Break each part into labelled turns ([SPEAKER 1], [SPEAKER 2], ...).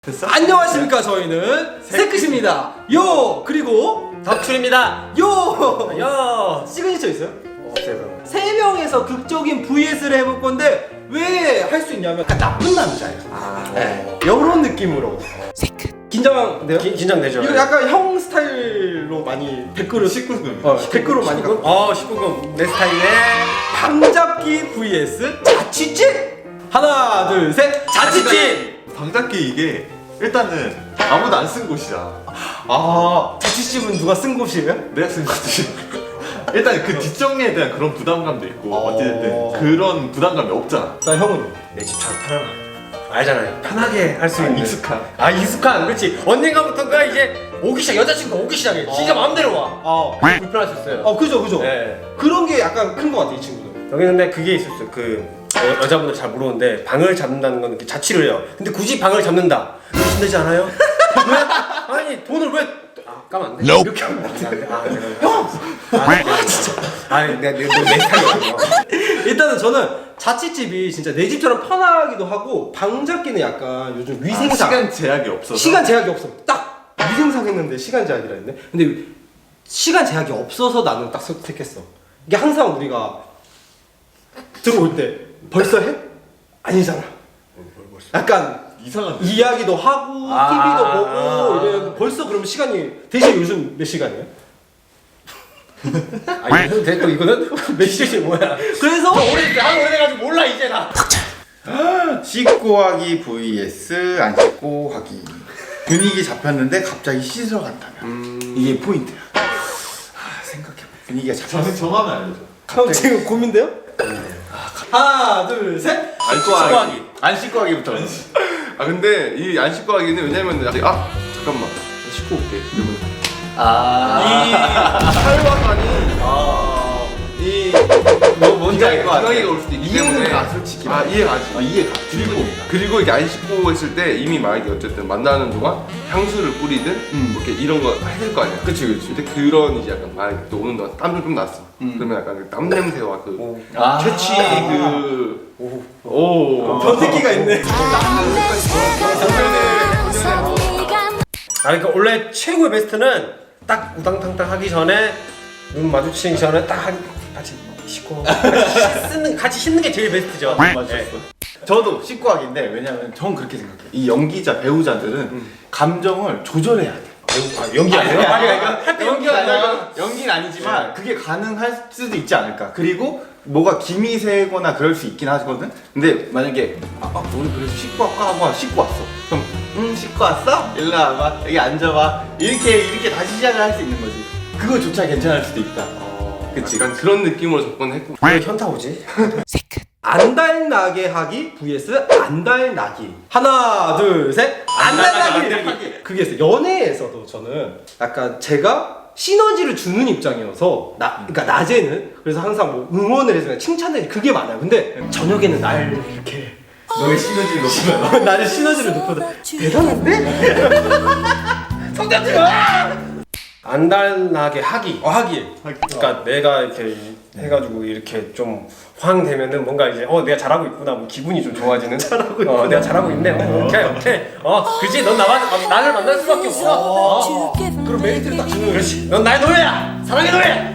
[SPEAKER 1] 됐어?
[SPEAKER 2] 안녕하십니까. 저희는 세크십니다. 요 그리고
[SPEAKER 3] 덕출입니다.
[SPEAKER 2] 요 시그니처 있어요?
[SPEAKER 3] 없어요.
[SPEAKER 2] 세 명에서 극적인 VS를 해볼 건데 왜 할 수 있냐면 약간 나쁜 남자예요. 네, 이런 느낌으로. 긴장돼요?
[SPEAKER 3] 긴장되죠.
[SPEAKER 2] 이거 약간 형 스타일로 많이 댓글을
[SPEAKER 1] 19금.
[SPEAKER 2] 댓글로 많이 가.
[SPEAKER 3] 19금 내 스타일에
[SPEAKER 2] 방잡기 vs 자취집. 하나 둘 셋. 자취집.
[SPEAKER 1] 방잡기 이게 일단은 아무도 안 쓴 곳이야.
[SPEAKER 2] 자취집은 누가 쓴 곳이에요?
[SPEAKER 1] 내가 쓴 곳이. 일단 그 뒷정리에 대한 그런 부담감도 있고 어찌됐든 그런 부담감이 없잖아.
[SPEAKER 2] 나 형은
[SPEAKER 3] 내 집처럼 편안함. 알잖아요. 편하게 할 수 있는.
[SPEAKER 1] 익숙한.
[SPEAKER 3] 익숙한. 그렇지. 언젠가부터가 이제 오기 시작. 여자친구가 오기 시작해. 진짜 마음대로 와. 불편하셨어요.
[SPEAKER 2] 그죠.
[SPEAKER 3] 네.
[SPEAKER 2] 그런 게 약간 큰 것 같아 이 친구는.
[SPEAKER 3] 여기 근데 그게 있었어요. 여자분들 잘 모르는데 방을 잡는다는 건 이렇게 자취를 해요. 근데 굳이 방을 잡는다. 이거 힘들지 않아요? 왜? 아니 돈을 왜? 까면 안 돼? 이렇게 하면 안 돼. 진짜. 내 스타일이야.
[SPEAKER 2] 일단은 저는 자취집이 진짜 내 집처럼 편하기도 하고 방잡기는 약간 요즘 위생상
[SPEAKER 1] 시간 제약이 없어서.
[SPEAKER 2] 시간 제약이 없어. 딱 위생상 했는데 시간 제약이라 했네. 근데 시간 제약이 없어서 나는 딱 선택했어. 이게 항상 우리가 들어올 때 벌써 해? 아니잖아. 약간
[SPEAKER 1] 이상한.
[SPEAKER 2] 이야기도 하고 TV도 보고 이래 벌써 그러면 시간이 대신 요즘 몇 시간이에요?
[SPEAKER 3] 이거는 됐고 이거는 몇 시지 뭐야?
[SPEAKER 2] 그래서
[SPEAKER 3] 오래돼가지고 몰라 이제 나.
[SPEAKER 4] 씻고 하기 vs 안 씻고 하기. 분위기 잡혔는데 갑자기 씻으러 간다면 이게 포인트야. 생각해봐. 분위기가 잡혔어.
[SPEAKER 1] 저는 정하면 알려줘.
[SPEAKER 2] 형 지금 고민돼요? 하나 둘 셋.
[SPEAKER 1] 안 씻고 하기.
[SPEAKER 4] 안 씻고 하기부터.
[SPEAKER 1] 근데 이 안 씻고 하기는 왜냐면 잠깐만 씻고 올게. 이러면 이 찰와간이
[SPEAKER 4] 뭔지 알 것 같아.
[SPEAKER 1] 기강이가 올 수도 있기
[SPEAKER 4] 이해는
[SPEAKER 1] 때문에
[SPEAKER 4] 가, 솔직히.
[SPEAKER 1] 이해가 가지.
[SPEAKER 4] 이해가.
[SPEAKER 1] 그리고 이게 안 씻고 있을 때 이미 만약에 어쨌든 만나는 동안 향수를 뿌리든 이렇게 이런 거 해야 될 거 아니야.
[SPEAKER 4] 그치.
[SPEAKER 1] 근데 그런 이제 약간 만약에 또 오는 동안 땀도 좀 났어. 그러면 약간 그 땀 냄새와 그 채취
[SPEAKER 2] 변태기가 있네.
[SPEAKER 3] 그러니까 원래 최고의 베스트는 딱 우당탕탕 하기 전에 눈 마주치기 전에 딱 같이 씻고 같이 씻는 게 제일 베스트죠.
[SPEAKER 4] 저도 씻고 하기인데 왜냐면 전 그렇게 생각해요. 이 연기자 배우자들은 감정을 조절해야 돼.
[SPEAKER 3] 연기 아니에요?
[SPEAKER 4] 할때 연기가 아니라 연기는 아니지만 그게 가능할 수도 있지 않을까. 그리고 뭐가 김이 새거나 그럴 수 있긴 하거든. 근데 만약에 우리 그래서 씻고 할까 하고 씻고 왔어. 그럼 씻고 왔어? 일로 와봐. 여기 앉아봐. 이렇게 다시 시작을 할 수 있는 거지. 그거조차 괜찮을 수도 있다. 그치.
[SPEAKER 1] 약간 그런 느낌으로 접근했고.
[SPEAKER 3] 왜 현타 오지?
[SPEAKER 2] 안달나게 하기 vs 안달나기. 하나 둘 셋. 안달나기. 그게 있어요. 연애에서도 저는 약간 제가 시너지를 주는 입장이어서 그러니까 낮에는 그래서 항상 뭐 응원을 해서 칭찬을 그게 많아요. 근데 저녁에는 날 이렇게
[SPEAKER 4] 너의 시너지를 높이면
[SPEAKER 2] 나를 시너지를 높여도 대단한데? 성장지 마!
[SPEAKER 3] 안달나게 하기.
[SPEAKER 2] 하기.
[SPEAKER 3] 그러니까 내가 이렇게 해가지고 이렇게 좀 황 되면은 뭔가 이제 내가 잘하고 있구나, 뭐 기분이 좀 좋아지는. 내가 잘하고 있네. 오케이. 그지? 넌 나를 만날 수밖에 없어.
[SPEAKER 2] 그럼 메리트를 딱 주는.
[SPEAKER 3] 그렇지. 넌 나의 노예야. 사랑의 노예.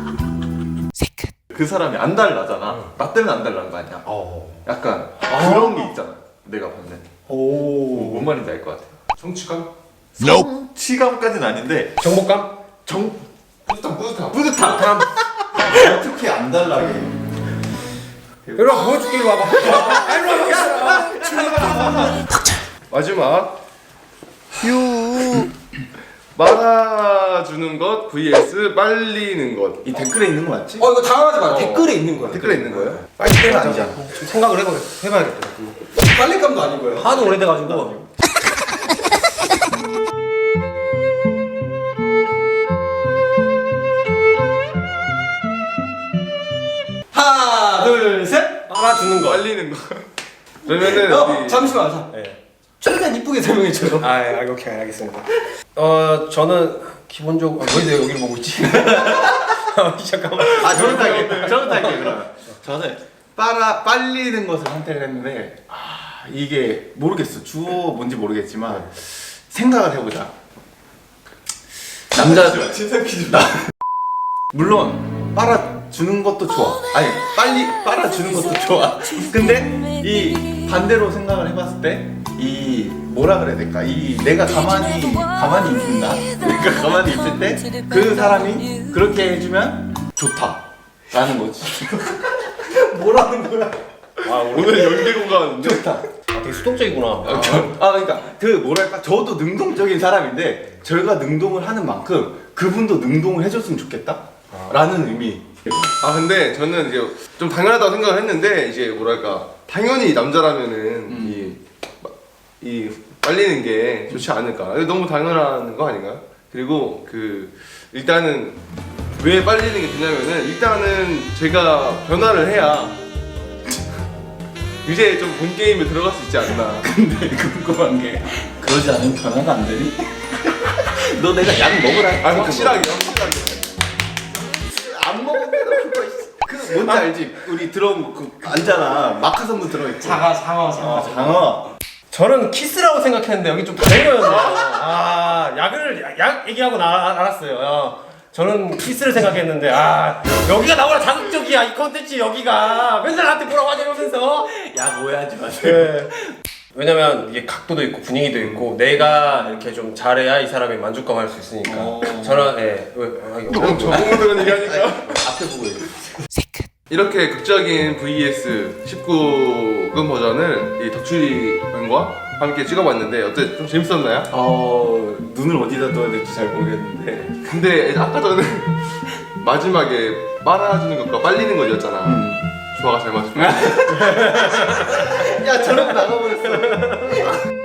[SPEAKER 1] 그 사람이 안 달라잖아. 나 때문에 안 달라는 거 아니야. 약간 그런 게 있잖아. 내가 봤을 때. 뭔 말인지 알 것 같아. 성취감?
[SPEAKER 4] 치감까지는 아닌데
[SPEAKER 3] 정복감?
[SPEAKER 1] 뿌듯함.
[SPEAKER 4] 어떻게 안 달라게.
[SPEAKER 3] 이리 와, 보여줄게. 이리 와봐. 이리 와봐.
[SPEAKER 1] 마지막 말아주는 것 vs 빨리는 것.
[SPEAKER 4] 이 댓글에 있는 거 맞지?
[SPEAKER 2] 이거 당황하지 마. 댓글에 있는 거야.
[SPEAKER 1] 댓글에 있는 거예요?
[SPEAKER 4] 빨리 때는 아니잖아.
[SPEAKER 3] 좀 생각을 해봐야겠다.
[SPEAKER 2] 빨리감도 아니고요.
[SPEAKER 3] 하도 오래돼가지고.
[SPEAKER 2] 하나 둘 셋.
[SPEAKER 3] 빨아주는 거.
[SPEAKER 1] 빨리는 거. 그러면은 우리
[SPEAKER 2] 잠시만. 자.
[SPEAKER 3] 네.
[SPEAKER 2] 최대한 이쁘게 설명해줘요.
[SPEAKER 3] 오케이, 알겠습니다. 저는 기본적으로 왜 내가 여기를 보고 있지? 잠깐만.
[SPEAKER 4] 저는 탈게 그러면. 저는 빨리는 것을 선택을 했는데 이게 모르겠어. 주어 뭔지 모르겠지만 생각을 해보자. 남자
[SPEAKER 1] 친선 퀴즈.
[SPEAKER 4] 물론 빨아주는 것도 좋아. 아니 빨리 빨아주는 것도 좋아. 근데 이 반대로 생각을 해봤을 때 이 뭐라 그래야 될까? 이 내가 가만히 있나? 내가 가만히 있을 때 그 사람이 그렇게 해주면 좋다라는 거지.
[SPEAKER 2] 뭐라는 거야?
[SPEAKER 3] 아
[SPEAKER 1] 오늘 연계고가
[SPEAKER 4] 좋다.
[SPEAKER 3] 되게 수동적이구나.
[SPEAKER 4] 그러니까 그 뭐랄까 저도 능동적인 사람인데 저희가 능동을 하는 만큼 그분도 능동을 해줬으면 좋겠다 라는 의미.
[SPEAKER 1] 근데 저는 이제 좀 당연하다고 생각을 했는데 이제 뭐랄까 당연히 남자라면은 이 빨리는 게 좋지 않을까. 이거 너무 당연한 거 아닌가요? 그리고 그 일단은 왜 빨리는 게 되냐면은 일단은 제가 변화를 해야 이제 좀 본 게임에 들어갈 수 있지 않나.
[SPEAKER 4] 근데 궁금한 게 그러지 않으면 변화가 안 되니? 너 내가 약 먹으라.
[SPEAKER 1] 확실하게.
[SPEAKER 4] 안 먹으면 그거 그 뭔지 알지? 우리 들어온 그 알잖아. 마카선도 들어있고. 장어.
[SPEAKER 3] 저는 키스라고 생각했는데 여기 좀 다른 거였네요. 약 얘기하고 알았어요. 저는 키스를 생각했는데 여기가 나오라 자극적이야 이 컨텐츠 여기가 맨날 나한테 뭐라고 하냐 이러면서
[SPEAKER 4] 약 오해하지 마세요.
[SPEAKER 3] 네. 왜냐면 이게 각도도 있고 분위기도 있고 내가 이렇게 좀 잘해야 이 사람이 만족감 할 수 있으니까 저는
[SPEAKER 1] 저분들은 얘기하니까
[SPEAKER 4] 앞에 보고 얘기해.
[SPEAKER 1] 이렇게 극적인 VS 19금 버전을 이 덕출이 형과 함께 찍어봤는데 어때? 좀 재밌었나요?
[SPEAKER 4] 눈을 어디다 둬야 될지 잘 모르겠는데.
[SPEAKER 1] 근데 아까 전에 마지막에 빨아주는 것과 빨리는 거였잖아. 조화가 잘 맞았어.
[SPEAKER 4] 야 저러고 나가버렸어.